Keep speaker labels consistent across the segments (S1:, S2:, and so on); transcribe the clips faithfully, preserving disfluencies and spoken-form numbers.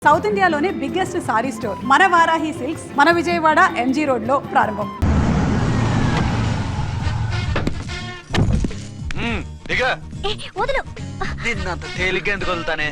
S1: South ఇండియాలోనే biggest sorry store మన Varahi silks మన విజయవాడ ఎంజీ రోడ్ లో ప్రారంభం.
S2: నిన్నంత తేలిగ్గా ఎందుకు వదులుతానే?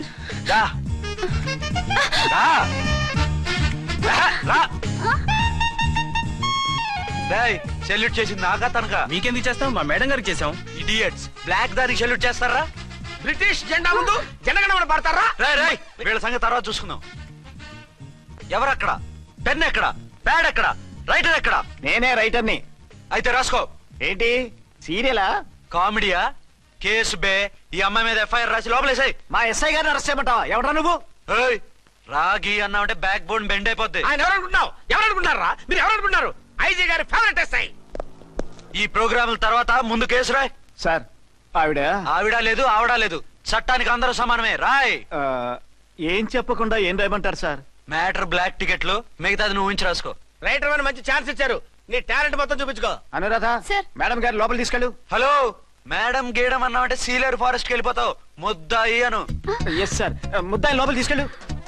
S2: సెల్యూట్ చేసింది నాకా తనకా?
S3: మీకెందుకు చేస్తాం? మా మేడం గారికి చేసాం.
S2: ఇడియట్స్, బ్లాక్ దానికి సెల్యూట్ చేస్తారా?
S3: బ్రిటిష్ జెండా ముందు జనగణమన పడతారా?
S2: రై రై వీళ్ళ సంగతి తర్వాత చూసుకుందాం. ఎవరక్కడ? పెన్ ఎక్కడ? ప్యాడ్ ఎక్కడ? రైటర్ ఎక్కడ?
S3: నేనే రైటర్ని.
S2: అయితే రాసుకో.
S3: ఏంటి సీరియలా?
S2: కామెడీయా? కేసు బే. ఈ అమ్మాయి మీద ఎఫ్ఐఆర్ రాసి లోపలేసాయి.
S3: మా ఎస్ఐ గారిని అరెస్ట్ చేయమంటావా? ఎవడా నువ్వు?
S2: రాగి అన్నావంటే బ్యాక్ బోన్ బెండ్ అయిపోద్ది.
S3: ఆయన ఎవరనుకుంటున్నావు? ఎవరనుకుంటారా మీరు? ఎవరనుకుంటున్నారు? ఐజీ గారి ఫేవరెట్ ఎస్ఐ.
S2: ఈ ప్రోగ్రాముల తర్వాత ముందు కేసు రాయ్.
S3: సార్ ఆవిడ
S2: ఆవిడ లేదు ఆవిడ లేదు, చట్టానికి అందరూ సమానమే. రాయ్.
S3: ఏం చెప్పకుండా ఏం రాయమంటారు సార్?
S2: మ్యాటర్ బ్లాక్ టికెట్లు, మిగతాది నువ్వు ఉంచి రాసుకో.
S3: రైటర్ అని మంచి ఛాన్స్ ఇచ్చారు, నీ టాలెంట్ మొత్తం చూపించుకో. అనురాధ మేడం గారి లోపల తీసుకెళ్ళు.
S2: హలో మేడం గీయడం అన్నావంటే సీలేరు ఫారెస్ట్ కి వెళ్ళిపోతావు. ముద్దాయి అను.
S3: ఎస్ సార్, ముద్దాయి లోపల తీసుకెళ్ళు.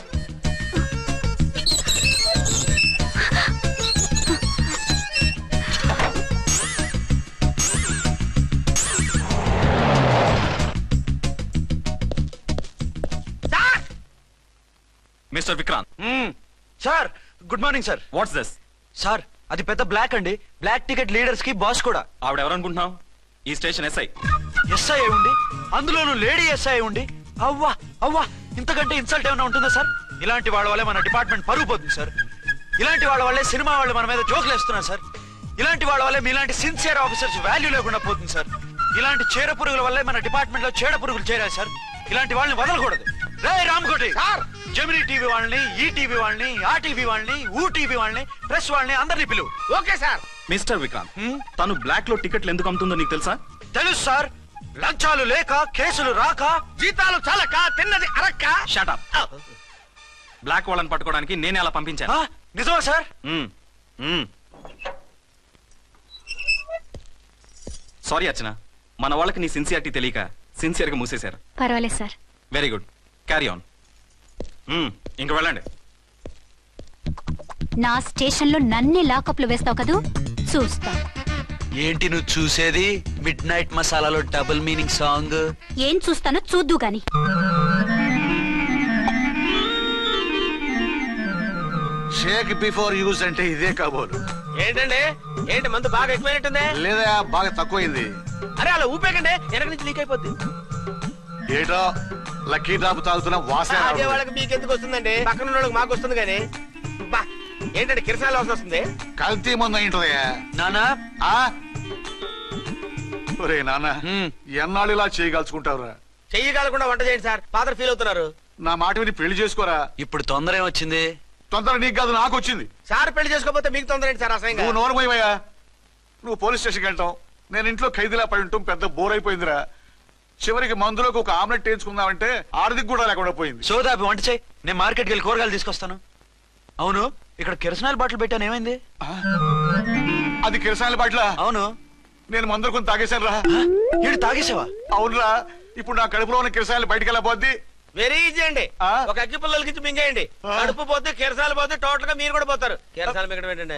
S4: Mister Vikrant.
S2: Sir good morning sir.
S4: What's this?
S2: Sir అది పెద్ద బ్లాక్ అండి, బ్లాక్ టికెట్ లీడర్స్ కి బాస్ కూడా.
S4: ఆవిడ ఎవరనుకుంటున్నావు? ఈ స్టేషన్ ఎస్ఐ.
S2: ఎస్ఐ ఉండి, అందులోనూ లేడీ ఎస్ఐ ఉండి, అవ్వా అవ్వా ఇంతకంటే ఇన్సల్ట్ ఏమైనా ఉంటుందా సార్? ఇలాంటి వాళ్ళ వల్లే మన డిపార్ట్మెంట్ పరుగు పోతుంది సార్. ఇలాంటి వాళ్ళ వల్లే సినిమా వాళ్ళు మన మీద జోకులు వేస్తున్నారు సార్. ఇలాంటి వాళ్ళ వల్లే మీలాంటి సిన్సియర్ ఆఫీసర్స్ వాల్యూ లేకుండా పోతుంది సార్. ఇలాంటి చీడ పురుగుల వల్లే మన డిపార్ట్మెంట్ లో చీడ పురుగులు చేరాయి సార్. ఇలాంటి వాళ్ళని వదలకూడదు. రే రామ్కోటి సార్, జెమినీ టీవీ వాళ్ళని, ఈ టీవీ వాళ్ళని, ఆ టీవీ వాళ్ళని, ఊ టీవీ వాళ్ళని, ప్రెస్ వాళ్ళని అందరినీ పిలువు.
S3: Okay sir.
S4: మిస్టర్ విక్రాంత్, తను బ్లాక్ లో టికెట్లు ఎందుకు అమ్ముతుందో నీకు తెలుసా?
S2: తెలుసు సార్. లంచాలు లేక, కేసులు రాక,
S3: జీతాలు చాలక, తిన్నది అరక్క.
S4: Shut up. బ్లాక్ వాళ్ళని పట్టుకోవడానికి నేనే అలా పంపించాను.
S2: నిజమా సార్?
S4: సారీ అర్చన, మన వాళ్ళకి నీ సిన్సియారిటీ తెలియక సిన్సియర్ గా మూసేశారు.
S5: పర్వాలేదు sir.
S4: Very good, carry on. ఇంక వెళ్ళండి.
S5: నా స్టేషన్ లో నన్నే లాకప్ లో వేస్తావు కదూ, చూస్తా.
S2: ఏంటి నువ్వు చూసేది? మిడ్ నైట్ మసాలాలో డబుల్ మీనింగ్ సాంగ్.
S5: ఏం చూస్తానో చూద్దు గాని.
S6: షేక్ బిఫోర్ యూజ్ అంటే ఇదే కాబోలు.
S3: ఏంటండి, ఏంటి మందు బాగా ఎక్కువైనట్టుంది?
S6: లేదా బాగా తక్కువైంది.
S3: అరే అలా ఊపేకండి, వెనక నుంచి లీక్ అయిపోద్ది.
S6: ఏటో లక్కీ డ్రాప్ తాగుతున్న వాసన.
S3: అదే వాళ్ళకి మీకెందుకు వస్తుందండి, పక్కన ఉన్న వాళ్ళకి మాకు వస్తుంది కానీ. బా ఏంటంటే కిరసాల వాసన వస్తుంది.
S6: కల్తీ మందు అయింటదయ్యా.
S2: నానా
S6: ఒరే నాన్న, ఎన్నాళ్ళు ఇలా చేయగలుచుకుంటావురా?
S3: చెయ్యగలకుండా వంట చేయండి సార్, ఫాదర్ ఫీల్ అవుతున్నారు.
S6: నా మాట విని పెళ్లి చేసుకోరా.
S2: ఇప్పుడు తొందర ఏమొచ్చింది?
S6: తొందర నీకు కాదు, నాకు వచ్చింది.
S3: సార్ పెళ్లి చేసుకోకపోతే మీకు తొందర ఏంటి సార్? అసహ్యంగా.
S6: నువ్వు నోరుమోయవయ్యా. నువ్వు పోలీస్ స్టేషన్కి వెళ్తావు, నేను ఇంట్లో ఖైదీలా పడి ఉంటాం. పెద్ద బోర్ అయిపోయిందిరా. చివరికి మందులోకి ఒక ఆమ్లెట్ వేయించుకుందామంటే ఆర్థిక కూడా లేకుండా పోయింది.
S2: సోదాపి వంట చేయి, నేను మార్కెట్కి వెళ్ళి కూరగాయలు తీసుకొస్తాను. అవును, ఇక్కడ కిరసనాయిల్ బాటిల్ పెట్టాను, ఏమైంది?
S6: అది కిరసాయిల్ బాటిలా?
S2: అవును.
S6: నేను మందులు కొని తాగేశాను రా.
S2: ఏంటి తాగేసావా?
S6: అవునురా. ఇప్పుడు నా కడుపులో ఉన్న కిరసాయిల్ బయటికి వెళ్ళబోద్ది.
S3: వెరీ ఈజీ అండి, ఒక అగ్గి పుల్లలకి మింగేయండి. కడుపు పోతే కిరసాలు పోతే టోటల్ గా మీరు కూడా పోతారు. కిరసాలు మింగడం ఏంటండి?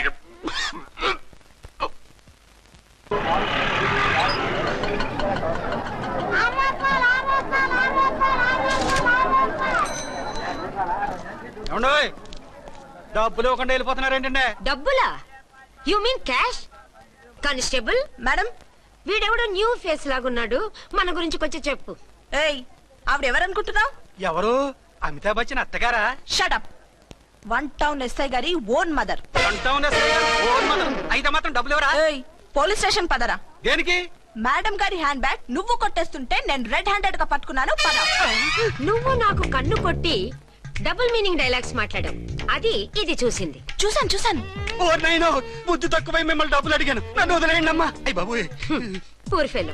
S3: డబ్బులు ఇవ్వకుండా వెళ్ళిపోతున్నారు ఏంటంటే?
S7: డబ్బులా? You mean cash? Constable madam, వీడెవడో న్యూ ఫేస్ లాగున్నాడు, మన గురించి కొంచెం చెప్పు.
S8: ఏయ్, ఆవిడెవరనుకుంటున్నావు?
S3: ఎవరు? అమితాబ్ బచ్చన్ అత్తగారా?
S8: షటప్. వన్ టౌన్ ఎస్ఐ గారి own mother.
S3: One town SI గారి ఓన్ మదర్ అయితే మాత్రం డబ్బులు ఎవరా?
S8: ఏయ్, పోలీస్ స్టేషన్ పదరా.
S3: దేనికి?
S8: మేడం గారి హ్యాండ్ బ్యాగ్ నువ్వు కొట్టేస్తుంటే నేను రెడ్ హ్యాండెడ్ గా పట్టుకున్నాను. పద.
S7: నువ్వు నాకు కన్ను కొట్టి డబుల్ మీనింగ్ డైలాగ్స్ మాట్లాడావు, అది ఇది చూసింది.
S8: చూసాను చూసాను.
S3: ఓ నైనో, బుద్ధి తక్కువై మిమ్మల్ని డబ్బులు అడిగాను, నన్ను వదిలేయండి అమ్మా. అయ్య బాబు,
S7: పూర్ ఫెలో.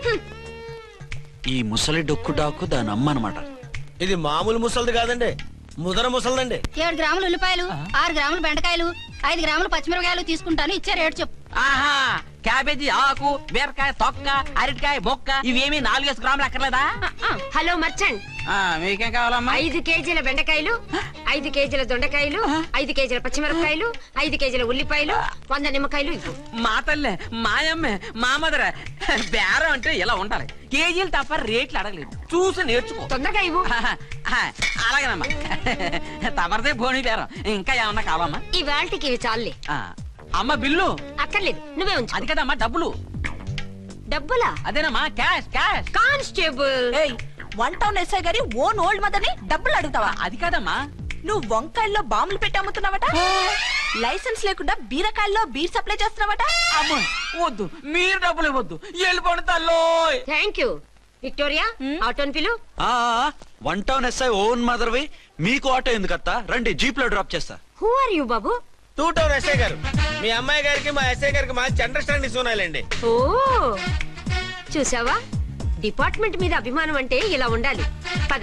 S2: ఈ ముసలి డొక్కు డాకు దాని అమ్మ అనమాట.
S3: ఇది మామూలు ముసలిది కాదండి, ముదర ముసలిదండి.
S5: ఏడు గ్రాములు ఉల్లిపాయలు, ఆరు గ్రాములు బెండకాయలు, ఐదు గ్రాములు పచ్చిమిరపకాయలు తీసుకుంటాను, ఇచ్చే రేటు చెప్పు.
S3: ఆహా,
S9: క్యాబేజీ ఆకు బీరకాయ తొక్క అరటికాయ బొక్క ఇవేమి నాలుగేసి గ్రాములు అక్కర్లేదా?
S7: హలో మర్చండ్,
S9: ఆ, మీకేం కావాలమ్మా?
S7: ఐదు కేజీల బెండకాయలు, ఐదు కేజీల దొండకాయలు, ఐదు కేజీల పచ్చిమిరపకాయలు, ఐదు కేజీల ఉల్లిపాయలు, వంద నిమ్మకాయలు ఇవ్వు.
S9: మా తల్లే మాయమ్మే మా మదర బేరం అంటే ఇలా ఉండాలి. కేజీలు తప్ప రేట్లు అడగలేదు, చూసి నేర్చుకో.
S7: తొందరగా ఇవ్వు.
S9: ఆ, అలాగేనమ్మా. తమరిదే భోని బేరం. ఇంకా ఏమన్నా కావాలమ్మా?
S7: ఈ వేల్టికి ఇవి చాలులే.
S9: ఆ, అమ్మ బిల్లు
S7: అక్కర్లేదు, నువ్వే ఉంచు.
S9: అది కదమ్మా డబ్బులు.
S7: డబ్బులా?
S9: అదేనమ్మా క్యాష్ క్యాష్.
S7: కానిస్టేబుల్,
S8: ఏయ్ వన్ టౌన్ ఎస్ఐ గారి ఓన్ ఓల్డ్ మదర్ ని డబ్బులు అడుగుతావా?
S9: అది కాదమ్మా.
S8: నువ్వు వంకాయల్లో బాంబులు పెట్టి అమ్ముతున్నావట, లైసెన్స్ లేకుండా బీరకాయల్లో బీర్ సప్లై చేస్తున్నావట.
S9: అమ్మో వద్దు, మీరు డబ్బులు ఇవ్వద్దు, వెళ్ళిపోండి తల్లో.
S7: Thank you. విక్టోరియా, ఆటోన్ పిలు.
S2: ఆ వన్ టౌన్ ఎస్ఐ ఓన్ మదర్వి, మీకు ఆటో ఎందుకు అత్త? రండి, జీప్ లో డ్రాప్ చేస్తా.
S7: హూ ఆర్ యూ బాబు?
S3: టూ టౌన్ ఎస్ఐ గారు, మీ అమ్మాయి గారికి మా ఎస్ఐ గారికి మంచి అండర్స్టాండింగ్ ఉన్నాయండి.
S7: ఓ చూసావా, డిపార్ట్మెంట్ మీద అభిమానం అంటే ఇలా ఉండాలి. పద.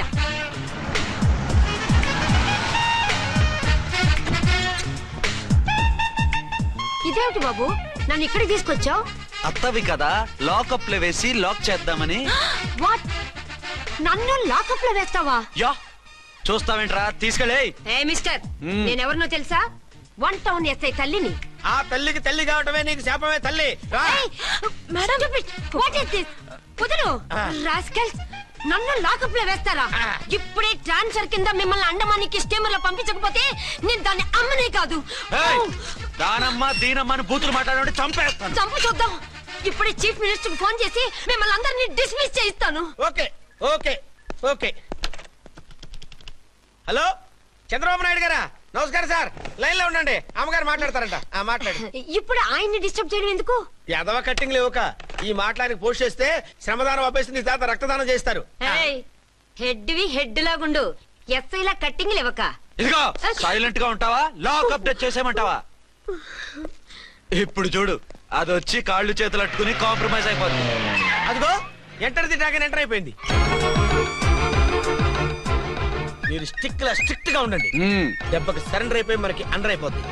S7: ఇదేమిటి బాబు, నన్ను ఇక్కడికి తీసుకొచ్చావు?
S2: అత్తవి కదా, లాకప్ లో వేసి లాక్ చేద్దామని.
S7: వాట్, నన్ను లాకప్ లో వేస్తావా?
S2: యా, చూస్తావేంట్రా, తీసుకెళ్ళే.
S7: ఏ మిస్టర్,
S2: మ్మ్.
S7: నేనెవరినో తెలుసా? వన్ టౌన్ ఎస్ఐ తల్లిని.
S3: ఆ తల్లికి తల్లి కావటమే నీకు శాపమే తల్లి. రా.
S7: Madam, what is this? వదులు రాస్కల్స్, నన్ను లాకప్ లో వేస్తారా? ఇప్పుడే ట్రాన్స్ఫర్ కింద మిమ్మల్ని అండమానికి స్టీమర్ లో పంపించకపోతే నేను దాన్ని అమ్మనే కాదు.
S2: ఏయ్, దానమ్మ దీనమ్మ అని బూతులు మాట్లాడే చంపేస్తాను.
S7: చంపు చూద్దాం. ఇప్పుడే చీఫ్ మినిస్టర్ ఫోన్ చేసి మిమ్మల్ని అందరినీ డిస్మిస్ చేయిస్తాను.
S3: Okay okay okay. Hello Chandrababu Naidu గారా? నమస్కారం సార్, లైన్ లో ఉండండి, అమ్మగారు మాట్లాడతారంట. ఆ మాట్లాడు.
S7: ఇప్పుడు ఆయన్ని డిస్టర్బ్ చేయడం ఎందుకు?
S3: ఎదవ కట్టింగ్ లేవుక ఈ మాట్లాడికి పోస్ట్ చేస్తే శ్రమదానం అభ్యసి నీ తాత రక్తదానం చేస్తారు.
S7: హెడ్ వి హెడ్ లాగుండు, ఎస్ఐ లా కట్టింగ్ లేవక.
S2: ఇదిగో సైలెంట్ గా ఉంటావా, లాక్ అప్డేట్ చేసేమంటావా? ఇప్పుడు చూడు, అది వచ్చి కాళ్ళు చేతులు అట్టుకుని కాంప్రమైజ్ అయిపోతుంది.
S3: అదిగో ఎంటర్ ది డ్రాగన్ ఎంటర్ అయిపోయింది. మీరు స్టిక్ లా స్ట్రిక్ట్ గా ఉండండి,
S2: మ్మ్.
S3: దెబ్బకి సరెండర్ అయిపోయి మనకి అండర్ అయిపోద్ది.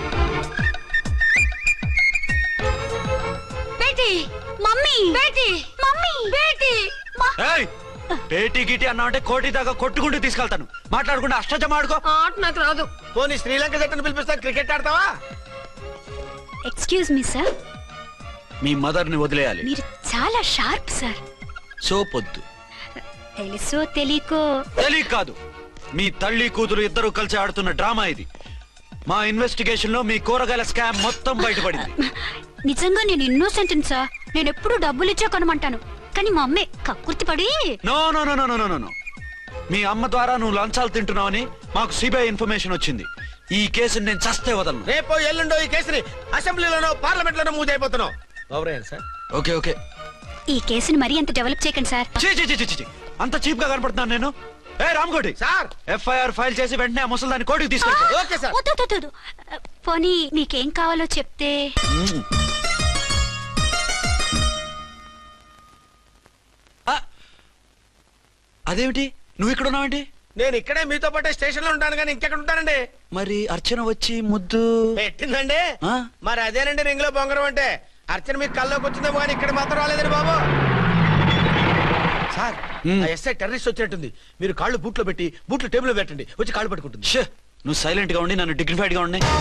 S7: బేటీ, మమ్మీ, బేటీ, మమ్మీ, బేటీ.
S2: ఏయ్, పేటీ గిటి అన్నావంటే కోటి దాకా కొట్టుకుంటూ తీసుకెళ్తాను. మాట్లాడకుండా అష్టజమ ఆడుకో.
S7: ఆట నాకు రాదు.
S3: పోనీ శ్రీలంక జట్టును పిలిపిస్తా, క్రికెట్ ఆడతావా?
S5: ఎక్స్క్యూజ్ మీ సార్,
S2: మీ మదర్ ని వదిలేయాలి.
S5: మీరు చాలా షార్ప్ సార్.
S2: సోపొద్దు.
S5: తెలుసో తెలియకో
S2: తెలియ కాదు, మీ తల్లి కూతురు ఇద్దరు కలిసి ఆడుతున్న డ్రామా ఇది. మా ఇన్వెస్టిగేషన్ లో మీ కూరగాయల స్కామ్ మొత్తం బయటపడింది.
S5: నిజంగా నేను ఇన్నోసెంట్ సార్. నేను ఎప్పుడు డబ్బులు ఇచ్చా కొనమంటాను, కానీ మా అమ్మే కక్కుర్తి పడి.
S2: No no no no no no no మీ అమ్మ ద్వారా నువ్వు లంచాలు తింటున్నావని మాకు సిబిఐ ఇన్ఫర్మేషన్ వచ్చింది. ఈ కేసుని నేను చస్తే వదలను.
S3: రేపో ఎల్లుండో ఈ కేసుని అసెంబ్లీలోనో పార్లమెంట్ లోనో మూవ్ అయిపోతున్నావు. Sir
S2: okay okay.
S5: ఈ కేసుని మరీ అంత డెవలప్ చేయకండి సార్.
S2: చీ చీ చీ చీ చీ. అంత చీప్ గా కనపడుతున్నాను నేను? ఏ రామ్కోటి
S3: సార్,
S2: ఎఫ్ఐఆర్ ఫైల్ చేసి వెంటనే ఆ ముసలిదాన్ని కోర్టుకి తీసుకెళ్ళి.
S3: Okay sir.
S5: వద్దు, వద్దు, వద్దు. పోనీ మీకేం కావాలో చెప్తే.
S2: అదేమిటి, నువ్వు ఇక్కడ ఉన్నావేంటి?
S3: నేను ఇక్కడే మీతో పాటే స్టేషన్ లో ఉంటాను కానీ ఇంకెక్కడ ఉంటానండి.
S2: మరి అర్చన వచ్చి ముద్దు
S3: పెట్టిందండి.
S2: ఆ?
S3: మరి అదేనండి రింగ్ లో బొంగరం అంటే. అర్చన మీకు కల్లోకి వచ్చిందేమో కానీ ఇక్కడ మాత్రం రాలేదండి బాబు. సార్,
S2: మ్మ్.
S3: ఆ ఎస్ఐ టెర్రరిస్ట్ వచ్చినట్టుంది. మీరు కాళ్ళు బూట్లో పెట్టి బూట్లు టేబుల్ పెట్టండి, వచ్చి కాళ్ళు పట్టుకుంటుంది.
S2: ష్, నువ్వు సైలెంట్ గా ఉండి నన్ను డిగ్నిఫైడ్ గా ఉండి.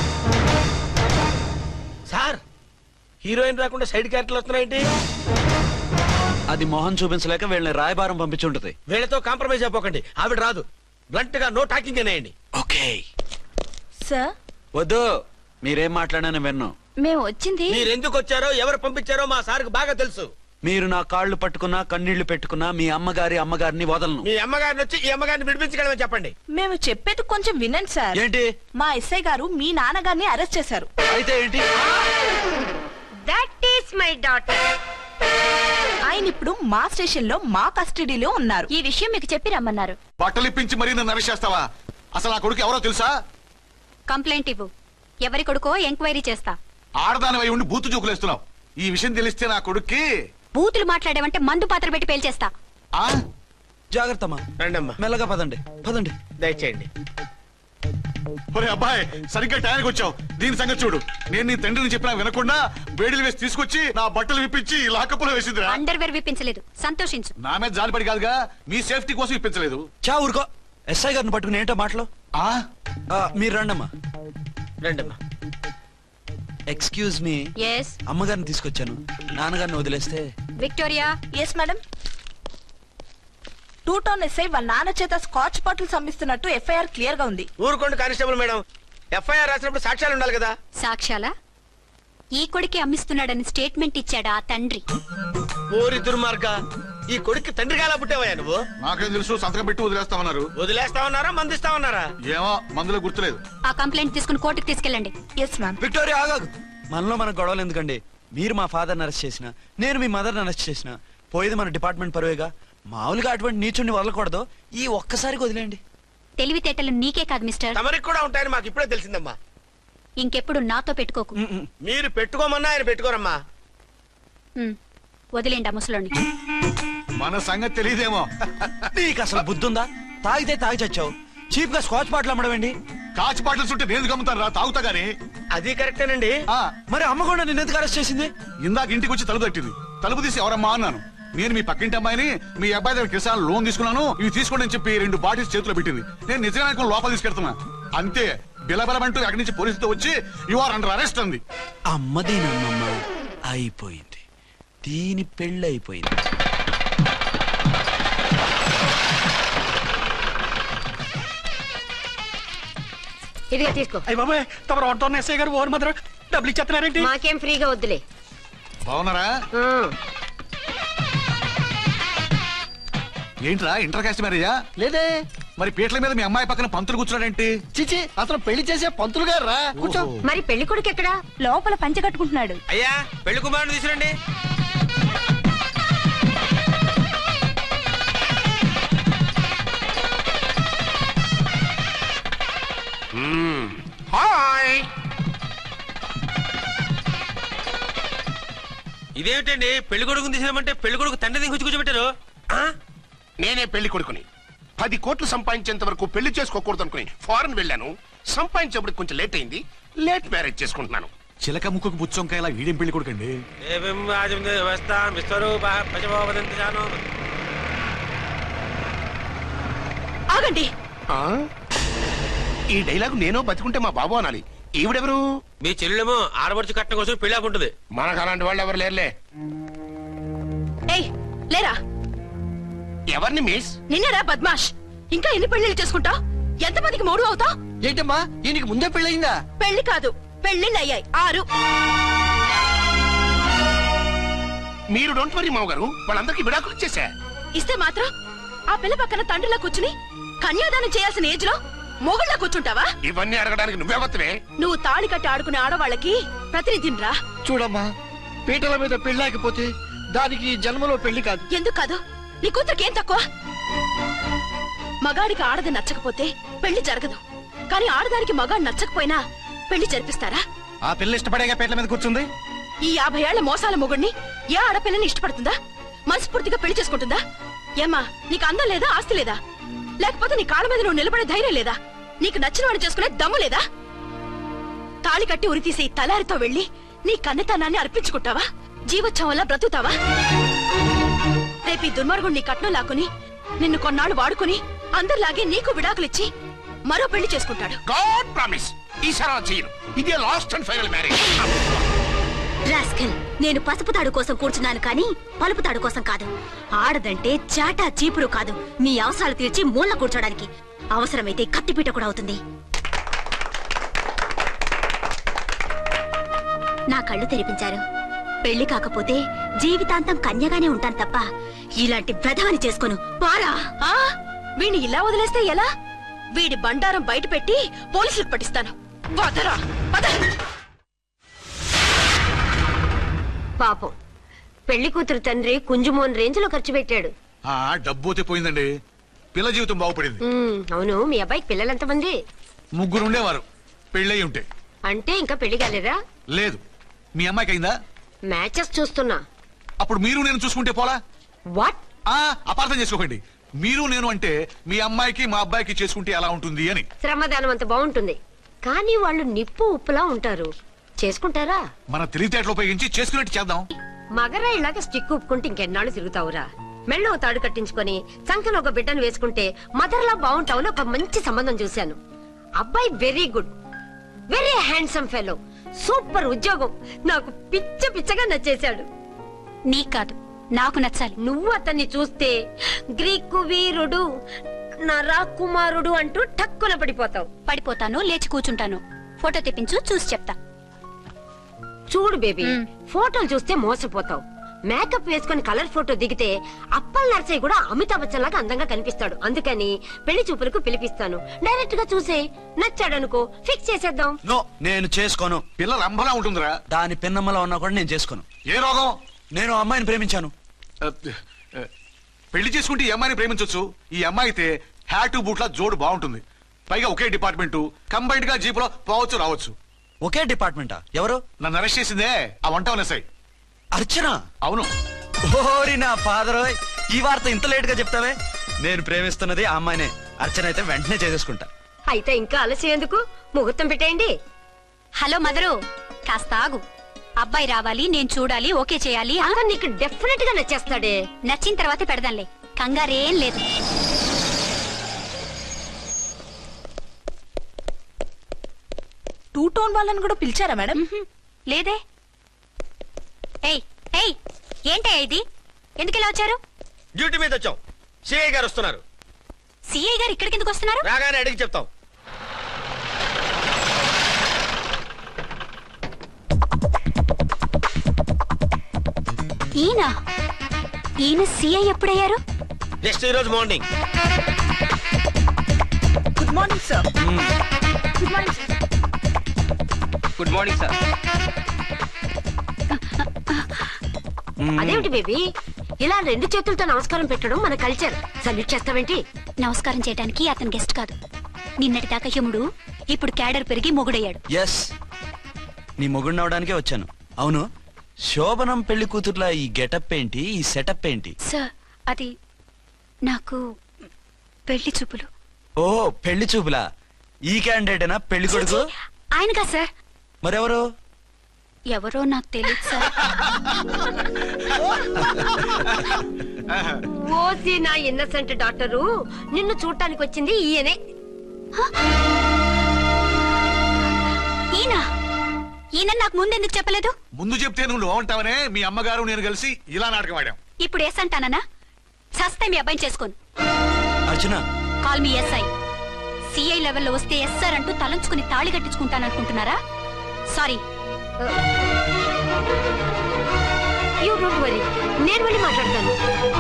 S3: సార్, హీరోయిన్ రాకుండా సైడ్ క్యారెక్టర్లు వస్తున్నాయేంటి?
S2: అది మొహం చూపించలేక వీళ్ళని రాయబారం పంపించుంటది.
S3: వీళ్ళతో కాంప్రమైజ్ అయిపోకండి, ఆవిడ రాదు. బ్లంట్ గా నో టాకింగ్ అనేయండి.
S2: ఓకే.
S8: సార్,
S2: వద్దు, మీరేం మాట్లాడానని విన్ను.
S8: మేము వచ్చింది.
S3: మీరు ఎందుకు వచ్చారో ఎవరు పంపించారో మా సార్కు బాగా తెలుసు.
S2: మీరు నా కాళ్ళు పట్టుకున్నా కన్నీళ్లు పెట్టుకున్నా మీ అమ్మగారి అమ్మగారిని వదలను.
S3: మీ అమ్మగారిని వచ్చి ఈ అమ్మగారిని విడిపించగలమని చెప్పండి.
S8: మేము చెప్పేది కొంచెం వినండి సార్.
S2: ఏంటి?
S8: మా ఎస్ఐ గారు మీ నాన్నగారిని అరెస్ట్ చేశారు.
S2: అయితే ఏంటి?
S7: That is my daughter.
S8: ఆయన ఇప్పుడు మా స్టేషన్ లో మా కస్టడీలో ఉన్నారు.
S5: ఈ విషయం మీకు చెప్పి రమ్మన్నారు.
S6: బట్టలిప్పించి మరీ నన్ను అరెస్ట్ చేస్తావా? అసలు నా కొడుకు ఎవరో తెలుసా?
S5: కంప్లైంట్ ఇవ్వు, ఎవరి కొడుకో ఎంక్వైరీ చేస్తా.
S6: ఆడదానివై ఉండి బూతు జోకులేస్తున్నావు. ఈ విషయం తెలిస్తే నా కొడుక్కి.
S5: బూతులు మాట్లాడేవంటే మందు పాత్ర పెట్టి పేల్చేస్తా.
S6: ఆ
S2: జాగ్రత్తమ్మా,
S3: రండమ్మా,
S2: మెల్లగా పదండి పదండి.
S3: దయచేయండి.
S6: ఒరే అబ్బాయి సరిగ్గా టైంకి వచ్చావు. దీని సంగతి చూడు. నేను నీ తండ్రిని చెప్పినా వినకుండా వేడిలు వేసి తీసుకొచ్చి నా బట్టలు విప్పించి లాకప్పులో వేసిందిరా.
S5: అండర్వేర్ విప్పించలేదు, సంతోషించు.
S6: నా మీద జాలిపడి కాదుగా, మీ సేఫ్టీ కోసం ఇప్పించలేదు.
S2: చా ఊరుకో. ఎస్ఐ గారిని పట్టుకుని ఏంటో మాటలు.
S6: ఆ
S2: ఆ, మీరు రండమ్మా.
S3: రండమ్మా.
S2: Excuse me.
S5: ఎస్
S2: అమ్మగారిని తీసుకొచ్చాను. నాన్నగారిని వదిలేస్తే.
S5: Victoria.
S8: Yes madam. Two town SI వాళ్ళ నాన్న చేత స్కాచ్ బాటిల్స్ అమ్మిస్తున్నట్టు ఎఫ్ఐఆర్ క్లియర్ గా ఉంది.
S3: ఊరుకోండి కానిస్టేబుల్ మేడం. ఎఫ్ఐఆర్ రాసినప్పుడు సాక్ష్యాలు ఉండాలి కదా.
S5: సాక్ష్యాలా? ఈ కొడుకే అమ్మిస్తున్నాడని స్టేట్మెంట్ ఇచ్చాడా ఆ తండ్రి?
S3: ఓరి దుర్మార్గ, ఈ కొడుక్కి తండ్రిగా ఎలా పుట్టావయ్యా నువ్వు?
S6: నాకేం తెలుసు, సంతకం పెట్టి వదిలేస్తామన్నారు.
S3: వదిలేస్తామన్నారా మందిస్తామన్నారా?
S6: ఏమో మందులో గుర్తులేదు.
S5: ఆ కంప్లైంట్ తీసుకుని కోర్టుకు తీసుకెళ్ళండి.
S8: Yes ma'am.
S2: విక్టోరియా ఆగాగు. మనలో మన గొడవలు ఎందుకండి? మీరు మా ఫాదర్ని అరెస్ట్ చేసిన, నేను మీ మదర్ని అరెస్ట్ చేసిన, పోయేది మన డిపార్ట్మెంట్ పరువేగా. మామూలుగా అటువంటి నీచుని వదలకూడదు. ఈ ఒక్కసారికి వదిలేండి.
S5: తెలివితేటలు నీకే కాదు మిస్టర్,
S3: తమరికి కూడా ఉంటాయని మాకు ఇప్పుడే తెలిసిందమ్మా.
S5: ఇంకెప్పుడు నాతో పెట్టుకోకు.
S3: మీరు పెట్టుకోమన్నా ఆయన పెట్టుకోరమ్మా.
S5: ఉమ్, వదిలేండి ఆ ముసలోని.
S6: మన సంగతి తెలియదేమో.
S2: నీకు అసలు బుద్ధుందా? తాగితే తాగి చచ్చావు. చీప్ గా స్కాచ్ బాటిల్ అమ్మడమేంటి?
S6: కాచి బాటిల్స్ ఉంటే నేను గమ్ముతాను రా, తాగుతా గానీ.
S3: అది కరెక్టేనండి.
S6: ఆ,
S2: మరి అమ్మ కూడా నిన్ను ఎందుకు అరెస్ట్ చేసింది?
S6: ఇందాక ఇంటికి వచ్చి తలుపు తట్టింది. తలుపు తీసి ఎవరమ్మా అన్నాను. నేను మీ పక్కింటి అమ్మాయిని, మీ అబ్బాయి దగ్గర కిసాన్ లోన్ తీసుకున్నాను, ఇవి తీసుకోండి అని చెప్పి రెండు బాటిల్స్ చేతిలో పెట్టింది. నేను నిజంగా లోపల తీసుకెళ్తున్నా. అంతే, బిలబలమంటూ అక్కడి నుంచి పోలీసుతో వచ్చి యు ఆర్ అండర్ అరెస్ట్ అంది.
S2: అమ్మ దీనమ్మమ్మ అయిపోయింది. దీని పెళ్ళి అయిపోయింది.
S7: ఇదిగా తీసుకో.
S9: అయ్యి బాబాయ్, తమరు ఆటో ఎస్ఐ గారు ఓన్ మాత్రం డబ్బులు ఇచ్చేస్తున్నారేంటి?
S7: మాకేం ఫ్రీగా వద్దులే.
S6: బాగున్నారా? ఏంట్రా ఇంటర్ కాస్ట్ మ్యారేజా?
S10: లేదే.
S6: మరి పీటల మీద మీ అమ్మాయి పక్కన పంతులు కూర్చున్నాడేంటి?
S10: చిచి, అతను పెళ్లి చేసే పంతులు గారు రా. కూర్చో.
S7: మరి పెళ్లి కొడుకు ఎక్కడా?
S8: లోపల పంచె కట్టుకుంటున్నాడు.
S3: అయ్యా, పెళ్లి కుమారుని తీసుకురండి. హాయ్. ఇదేమిటండి, పెళ్లి కొడుకుని తీసినామంటే పెళ్లి కొడుకు తండ్రి దిగి కూర్చోబెట్టారు.
S10: నేనే పెళ్లి కొడుకుని. పది కోట్లు సంపాదించేంత వరకు పెళ్లి చేసుకోకూడదు అనుకుని ఫారెన్ వెళ్ళాను. సంపాదించేప్పుడు కొంచెం లేట్ అయింది. లేట్ మ్యారేజ్ చేసుకుంటున్నాను.
S6: చిలక ముక్కుకు బుచ్చొంకాయ ఇలా వీడేం పెళ్లి కొడుకండి?
S8: ఆగండి.
S10: ఆ? ఈ డైలాగ్ నేను బతికుంటే మా బాబు అనాలి. ఈవిడెవరు?
S3: మీ చెల్లెమో ఆడబడుచు కట్టడం కోసం పెళ్లి ఆపుంటది.
S10: మనకు అలాంటి వాళ్ళు ఎవరు లేరులే.
S8: ఏయ్ లేరా.
S10: ఎవరిని మిస్?
S8: నిన్నరా బద్మాష్. ఇంకా ఎన్ని పెళ్లిళ్ళు చేసుకుంటావు? ఎంతమందికి మూడు అవుతావు?
S10: ఏంటమ్మా, దీనికి ముందే పెళ్ళయిందా?
S8: పెళ్లి కాదు, పెళ్లిళ్ళు అయ్యాయి ఆరు.
S10: మీరు డోంట్ వరీ మామగారు, వాళ్ళందరికీ విడాకులు ఇచ్చేసా.
S8: ఇస్తే మాత్రం ఆ పిల్ల పక్కన తండ్రిలా కూర్చుని కన్యాదానం చేయాల్సిన ఏజ్ లో మొగుళ్ళ కూర్చుంటావా?
S10: ఇవన్నీ అడగడానికి నువ్వే వత్తవే.
S8: నువ్వు తాళి కట్టి ఆడుకునే ఆడవాళ్ళకి ప్రతినిధినిరా.
S10: చూడమ్మా, పీటల మీద పెళ్ళాకపోతే దానికి జన్మలో పెళ్లి కాదు.
S8: ఎందుకు కాదు? నీ కూతురికేం తక్కువ? మగాడికి ఆడది నచ్చకపోతే పెళ్లి జరగదు. కానీ ఆడదానికి మగాడు నచ్చకపోయినా పెళ్లి జరిపిస్తారా?
S6: ఆ పిల్ల ఇష్టపడేగా పీటల మీద కూర్చుంది.
S8: ఈ యాభై ఏళ్ల మోసాల మొగుడిని ఏ ఆడపిల్లని ఇష్టపడుతుందా? మనస్ఫూర్తిగా పెళ్లి చేసుకుంటుందా? ఏమ్మా, నీకు అందం లేదా, ఆస్తి లేదా? లేకపోతే నీ కాళ్ళ మీద నువ్వు నిలబడే ధైర్యం లేదా? నీకు నచ్చిన వాడు చేసుకునే దమ్ము లేదా? తాళి కట్టి ఉరి తీసే ఈ తలారితో వెళ్లి నీ కన్నెతనాన్ని అర్పించుకుంటావా? జీవోత్సవంలా బ్రతుకుతావా? రేపు ఈ దుర్మార్గుడు నీ కట్నం లాక్కుని నిన్ను కొన్నాళ్ళు వాడుకుని అందరిలాగే నీకు విడాకులిచ్చి మరో పెళ్లి చేసుకుంటాడు.
S10: గాడ్ ప్రామిస్, ఈసారి అలా చేయను. ఇదే last and final marriage.
S5: Rascal, నేను పసుపు తాడు కోసం కూర్చున్నాను కానీ పలుపు తాడు కోసం కాదు. ఆడదంటే చాటా చీపురు కాదు, నీ అవసరాలు తీర్చి మూల కూర్చోడానికి. అవసరమైతే కత్తిపీట కూడా అవుతుంది. నా కళ్ళు తెరిపించారు. పెళ్లి కాకపోతే జీవితాంతం కన్యగానే ఉంటాను తప్ప ఇలాంటి ప్రధాని చేసుకోను. పారా.
S8: ఆ వీణ్ణి ఇలా వదిలేస్తే ఎలా? వీడి బండారం బయట పెట్టి పోలీసులకు పట్టిస్తాను. వదరా, వద.
S7: పాపం, పెళ్లి కూతురు తండ్రి కుంజుమోన్ రేంజ్ లో ఖర్చు పెట్టాడు.
S6: ఆ డబ్బు పోయిందండి. పిల్ల జీవితం బాగుపడింది.
S7: ఉమ్, అవును, మీ అబ్బాయికి పిల్లలు ఎంతమంది?
S6: ముగ్గురు ఉండేవారు, పెళ్ళయి ఉంటే.
S7: అంటే ఇంకా పెళ్లి కాలేదా?
S6: లేదు. మీ అమ్మాయికి అయిందా?
S7: మ్యాచెస్ చూస్తున్నా.
S6: అప్పుడు మీరు నేను చూసుకుంటే పోలా?
S7: వాట్?
S6: ఆ అపార్థం చేసుకోకండి. మీరు నేను అంటే మీ అమ్మాయికి మా అబ్బాయికి చేసుకుంటే ఎలా ఉంటుంది అని.
S7: శ్రమదానం అంత బాగుంటుంది కానీ వాళ్ళు నిప్పు ఉప్పులా ఉంటారు. చేసుకుంటారా?
S6: మన తెలివితేటలు ఉపయోగించి చేసుకున్నట్టు చేద్దాం.
S7: మగరాయిలాగా స్టిక్ ఉప్పుకుంటే ఇంకెన్నాళ్ళు తిరుగుతావురా? మెళ్ళో తాడు కట్టించుకొని చంకలో ఒక బిడ్డను వేసుకుంటే మదర్లా బాగుంటావుని ఒక మంచి సంబంధం చూశాను. అబ్బాయి very good, very handsome fellow, super ఉద్యోగం. నాకు పిచ్చ పిచ్చగా నచ్చేశాడు.
S5: నీకు కాదు, నాకు నచ్చాలి.
S7: నువ్వు అతన్ని చూస్తే గ్రీకు వీరుడు, నా రాకుమారుడు అంటూ టక్కున పడిపోతావు.
S5: పడిపోతాను, లేచి కూర్చుంటాను. ఫోటో తెప్పించు, చూసి చెప్తా.
S7: చూడు బేబీ, ఫోటోలు చూస్తే మోసపోతావు. మేకప్ వేసుకుని కలర్ ఫోటో దిగితే అప్పల్ నర్సయ్య కూడా అమితాబ్ బచ్చన్ లాగా అందంగా కనిపిస్తాడు. అందుకని పెళ్లి చూపులకు పిలిపిస్తాను. డైరెక్ట్ గా చూసే నచ్చాడనుకో ఫిక్స్ చేసేద్దాం.
S2: నో, నేను చేసుకోను.
S6: పిల్లలు అంబలా ఉంటుందిరా.
S2: దాని పిన్నమ్మలో ఉన్నా కూడా నేను చేసుకోను.
S6: ఏ రోగం?
S2: నేను ఆ అమ్మాయిని ప్రేమించాను.
S6: పెళ్లి చేసుకుంటే ఈ అమ్మాయిని ప్రేమించొచ్చు. ఈ అమ్మాయి అయితే హ్యాటు బూట్ల జోడు బాగుంటుంది. పైగా ఒకే డిపార్ట్మెంట్, కంబైన్డ్ గా జీపులో పోవచ్చు రావచ్చు.
S2: ఒకే డిపార్ట్మెంటా? ఎవరు?
S6: నన్ను అరెస్ట్ చేసిందే ఆ వంట ఎస్ఐ
S2: అర్చన.
S6: అవును.
S2: ఓరి నా ఫాదర్, ఈ వార్త ఇంత లేట్ గా చెప్తావే. నేను ప్రేమిస్తున్నది ఆ అమ్మాయినే. అర్చన అయితే వెంటనే చేసేసుకుంటా.
S7: అయితే ఇంకా ఆలస్యం ఎందుకు? ముహూర్తం పెట్టేయండి.
S5: హలో మదరు, కాస్త ఆగు. అబ్బాయి రావాలి, నేను చూడాలి, ఓకే చేయాలి.
S7: అతను నీకు డెఫినెట్ గా నచ్చేస్తాడే.
S5: నచ్చిన తర్వాత పెడదాంలే, కంగారేం లేదు.
S8: టూ టోన్ వాళ్ళని కూడా పిలిచారా మేడం?
S5: లేదే. ఏయ్ ఏయ్, ఏంటే ఇది? ఎందుకు ఇలా వచ్చారు?
S3: డ్యూటీ మీద వచ్చాం. సిఐ గారు వస్తున్నారు.
S5: సిఐ గారు ఇక్కడికి ఎందుకు వస్తున్నారు?
S3: రాగానే అడిగి చెప్తాం.
S5: ఈయన ఈయన సిఐ ఎప్పుడయ్యారు?
S3: నెక్స్ట్ ఈ రోజు morning.
S8: Good morning sir. Good morning sir.
S4: Good morning sir.
S7: అదేమిటి బేబీ, ఇలా రెండు చేతులతో నమస్కారం పెట్టడం మన కల్చర్. సల్యూట్ చేస్తావేంటి?
S5: నమస్కారం చేయడానికి అతను గెస్ట్ కాదు. నిన్నటి దాకా యముడు, ఇప్పుడు క్యాడర్ పెరిగి మొగుడయ్యాడు.
S2: ఎస్, నీ మొగుడిని అవడానికే వచ్చాను. అవును, శోభనం పెళ్లి కూతుర్లా ఈ గెటప్ ఏంటి, ఈ సెటప్ ఏంటి?
S5: సార్, అది నాకు పెళ్లి చూపులు.
S2: ఓ, పెళ్లి చూపులా? ఈ క్యాండిడేటేనా పెళ్లి కొడుకు?
S5: ఆయనగా సార్.
S2: మరెవరు?
S5: ఎవరో నాకు తెలియదు సార్.
S7: ఓసి నా ఇన్నసెంట్ డాక్టరు, నిన్ను చూడటానికి వచ్చింది ఈయనే.
S5: ఈయన ఈయన నాకు ముందెందుకు చెప్పలేదు?
S6: ముందు చెప్తే నువ్వు బాగుంటావనే మీ అమ్మగారు నేను కలిసి ఇలా నాటకం ఆడాం.
S5: ఇప్పుడు ఎస్ అంటానా? సస్తే మీ అబ్బాయిని చేసుకోను.
S2: Archana,
S5: call me SI. CI లెవెల్లో వస్తే ఎస్ఆర్ అంటూ తలంచుకుని తాళి కట్టించుకుంటాననుకుంటున్నారా? సారీ.
S7: యూ డోంట్ వరీ, నేను వెళ్ళి మాట్లాడతాను.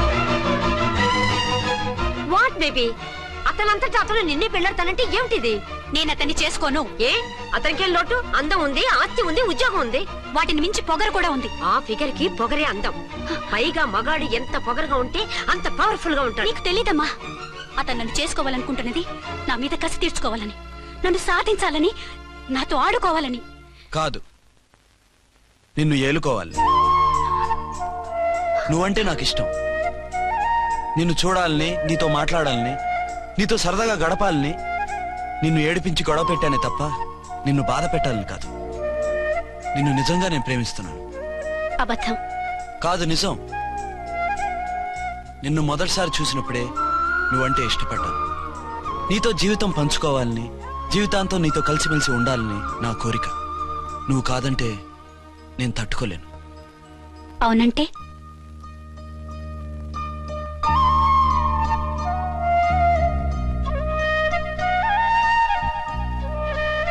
S7: వాట్ బేబీ, అతనంతటా అతను నిన్నే పెళ్ళాడతానంటే ఏమిటిది?
S5: నేను అతన్ని చేసుకోను.
S7: ఏ, అతనికేం లోటు? అందం ఉంది, ఆస్తి ఉంది, ఉద్యోగం ఉంది.
S5: వాటిని మించి పొగరు కూడా ఉంది.
S7: ఆ ఫిగర్ కి పొగరే అందం. పైగా మగాడు ఎంత పొగరుగా ఉంటే అంత పవర్ఫుల్ గా ఉంటాడు.
S5: నీకు తెలీదమ్మా, అతను నన్ను చేసుకోవాలనుకుంటున్నది నా మీద కసి తీర్చుకోవాలని, నన్ను సాధించాలని, నాతో ఆడుకోవాలని
S2: కాదు, నిన్ను ఏలుకోవాలి. నువ్వంటే నాకు ఇష్టం. నిన్ను చూడాలని, నీతో మాట్లాడాలని, నీతో సరదాగా గడపాలని, నిన్ను ఏడిపించి గొడవ పెట్టానే తప్ప నిన్ను బాధ పెట్టాలని కాదు. నిన్ను నిజంగా నేను ప్రేమిస్తున్నాను.
S5: అబద్ధం
S2: కాదు, నిజం. నిన్ను మొదటిసారి చూసినప్పుడే నువ్వంటే ఇష్టపడ్డాను. నీతో జీవితం పంచుకోవాలని, జీవితాంతం నీతో కలిసిమెలిసి ఉండాలని నా కోరిక. నువ్వు కాదంటే నేను తట్టుకోలేను.
S5: అవునంటే